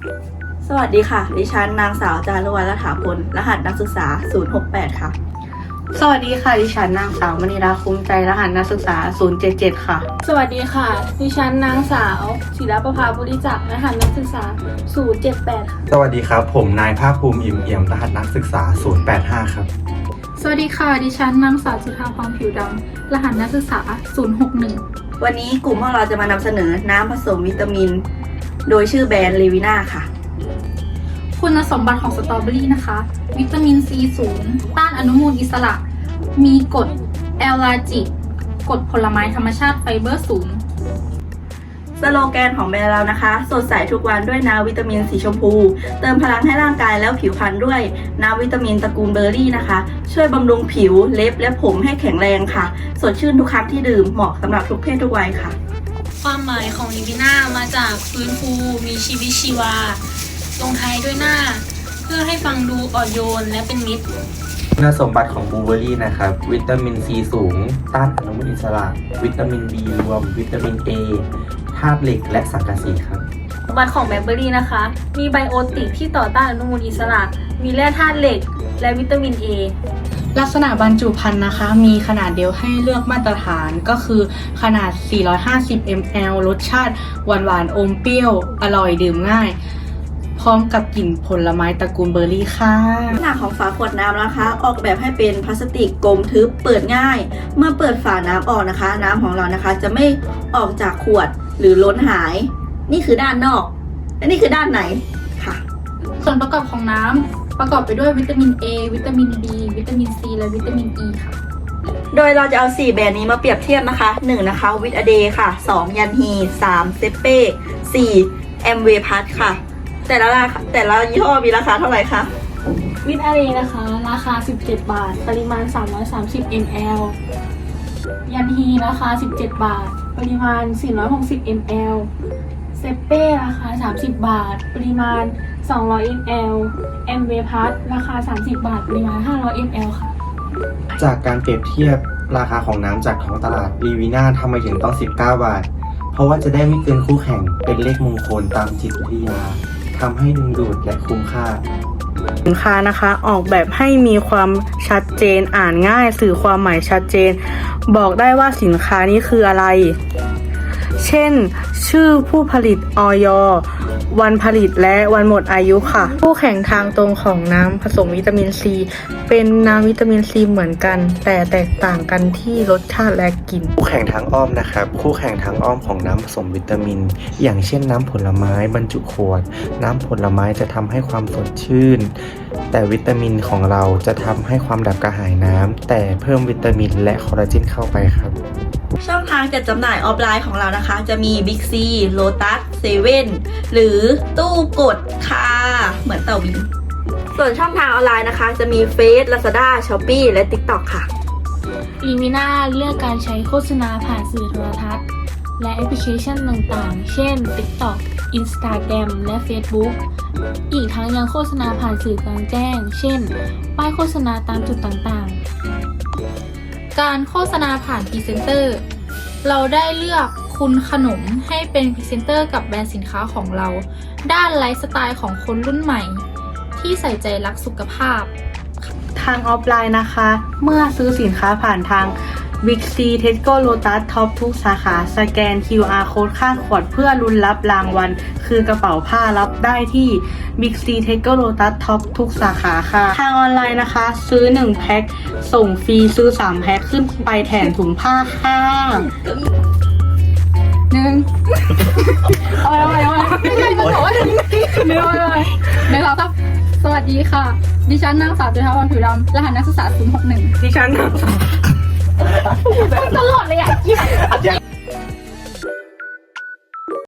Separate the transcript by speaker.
Speaker 1: สวัสดีค่ะดิฉันนางสาวจารุวรรณรัฐาพลรหัสนักศึกษา068ค่ะ
Speaker 2: สวัสดีค่ะดิฉันนางสาวมณีราคุ้มใจรหัสนักศึกษา077ค่ะ
Speaker 3: สวัสดีค่ะดิฉันนางสาวศิลปภาบุริจักรรหัสนักศึกษา078ค่ะ
Speaker 4: สวัสดีครับผมนายภาคภูมิอิ่มเอี่ยมรหัสนักศึกษา085ครับ
Speaker 5: สวัสดีค่ะดิฉันนางสาวจุฑาพรผิวดำรหัสนักศึกษา061
Speaker 1: วันนี้กลุ่มของเราจะมานำเสนอน้ำผสมวิตามินโดยชื่อแบรนด์เลวิน่าค่ะ
Speaker 5: คุณสมบัติของสตรอเบอรี่นะคะวิตามินซีสูงต้านอนุมูลอิสระมีกรดแอลลาจิกกรดผลไม้ธรรมชาติไฟเบอร์สูง
Speaker 1: สโลแกนของแบรนด์เรานะคะสดใสทุกวันด้วยน้ำวิตามินสีชมพูเติมพลังให้ร่างกายแล้วผิวพรรณด้วยน้ำวิตามินตระกูลเบอร์รี่นะคะช่วยบำรุงผิวเล็บและผมให้แข็งแรงค่ะสดชื่นทุกครั้งที่ดื่มเหมาะสำหรับทุกเพศทุกวัยค่ะ
Speaker 3: ความหมายของลิวิน่ามาจากฟื้นฟูมีชีวิตชีวาลงท้ายด้วยหน้าเพื่อให้ฟังดูอ่อนโยนและเป็นมิตร
Speaker 4: คุณสมบัติของบลูเบอร์รี่นะครับวิตามินซีสูงต้านอนุมูลอิสระวิตามิน B รวมวิตามิน A ธาตุเหล็กและสังกะสีครับ
Speaker 3: สมบัติของแบล็คเบอร์รี่นะคะมีไบโอติกที่ต่อต้านอนุมูลอิสระมีแร่ธาตุเหล็กและวิตามิน A
Speaker 2: ลักษณะบรรจุภัณฑ์นะคะมีขนาดเดียวให้เลือกมาตรฐานก็คือขนาด450 ml รสชาติหวานๆอมเปรี้ยวอร่อยดื่มง่ายพร้อมกับกลิ่นผลไม้ตระกูลเบอร์รี่ค่ะ
Speaker 1: ลักษณะของฝาขวดน้ำนะคะออกแบบให้เป็นพลาสติกกลมทึบเปิดง่ายเมื่อเปิดฝาน้ำออกนะคะน้ำของเรานะคะจะไม่ออกจากขวดหรือล้นหายนี่คือด้านนอกและนี่คือด้านในค่ะ
Speaker 5: ส่วนประกอบของน้ำประกอบไปด้วยวิตามิน A วิตามิน B วิตามิน C และวิตามิน E ค่ะ
Speaker 1: โดยเราจะเอา4แบรนด์นี้มาเปรียบเทียบนะคะ1นะคะวิตอเดย์ค่ะ2ยันฮี3เซเป้4แอมเวพัทค่ะแต่ละยี่ห้อมีราคาเท่าไหร่คะ
Speaker 3: วิตาเรนะคะราคา17 บาทปริมาณ330 ml ยันฮีราคา17 บาทปริมาณ460 ml เซเป้ราคา30 บาทปริมาณ200 ml แอมเวพัทราคา30 บาทปริมาณ500 ml ค่ะ
Speaker 4: จากการเปรียบเทียบราคาของน้ำจากท้องตลาดลีวีน่าทำไมถึงต้อง19 บาทเพราะว่าจะได้ไม่เกินคู่แข่งเป็นเลขมงคลตามจิตวิทยาทำให้ดึงดูดและคุ้มค่า
Speaker 2: สินค้านะคะออกแบบให้มีความชัดเจนอ่านง่ายสื่อความหมายชัดเจนบอกได้ว่าสินค้านี้คืออะไรเช่นชื่อผู้ผลิตอย.วันผลิตและวันหมดอายุค่ะคู่แข่งทางตรงของน้ำผสมวิตามินซีเป็นน้ำวิตามินซีเหมือนกันแต่แตกต่างกันที่รสชาติและกลิ่น
Speaker 4: คู่แข่งทางอ้อมนะครับคู่แข่งทางอ้อมของน้ำผสมวิตามินอย่างเช่นน้ำผลไม้บรรจุขวดน้ำผลไม้จะทำให้ความสดชื่นแต่วิตามินของเราจะทำให้ความดับกระหายน้ำแต่เพิ่มวิตามินและคอลลาเจนเข้าไปครับ
Speaker 1: ช่องทางจัดจำหน่ายออฟไลน์ของเรานะคะจะมี Big C Lotus 7 หรือตู้กดค่ะเหมือนเต่าบินส่วนช่องทางออนไลน์นะคะจะมี Face Lazada Shopee และ TikTok ค่ะ
Speaker 3: ลีมิน่าเลือกการใช้โฆษณาผ่านสื่อโทรทัศน์และแอปพลิเคชันต่างๆเช่น TikTok Instagram และ Facebook อีกทั้งยังโฆษณาผ่านสื่อกลางแจ้งเช่นป้ายโฆษณาตามจุดต่างๆ
Speaker 5: การโฆษณาผ่านพรีเซนเตอร์เราได้เลือกคุณขนมให้เป็นพรีเซนเตอร์กับแบรนด์สินค้าของเราด้านไลฟ์สไตล์ของคนรุ่นใหม่ที่ใส่ใจรักสุขภาพ
Speaker 2: ทางออฟไลน์นะคะเมื่อซื้อสินค้าผ่านทาง Big C Tesco Lotus Top ทุกสาขาสแกน QR Code ข้างขวดเพื่อลุ้นรับรางวัลคือกระเป๋าผ้ารับได้ที่ Big C Tesco Lotus Top ทุกสาขาค่ะทางออนไลน์นะคะซื้อ1แพ็คส่งฟรีซื้อ3แพ็คขึ้นไปแถมถุงผ้าค่ะ
Speaker 5: เอาไม่ใช่มันบอกว่า1 2 3สวัสดีค่ะดิฉันนางสาวจุฑาพรผิวดำรหัสนักศึกษา061
Speaker 2: ดิฉัน
Speaker 5: ตลอดเลยอ่ะ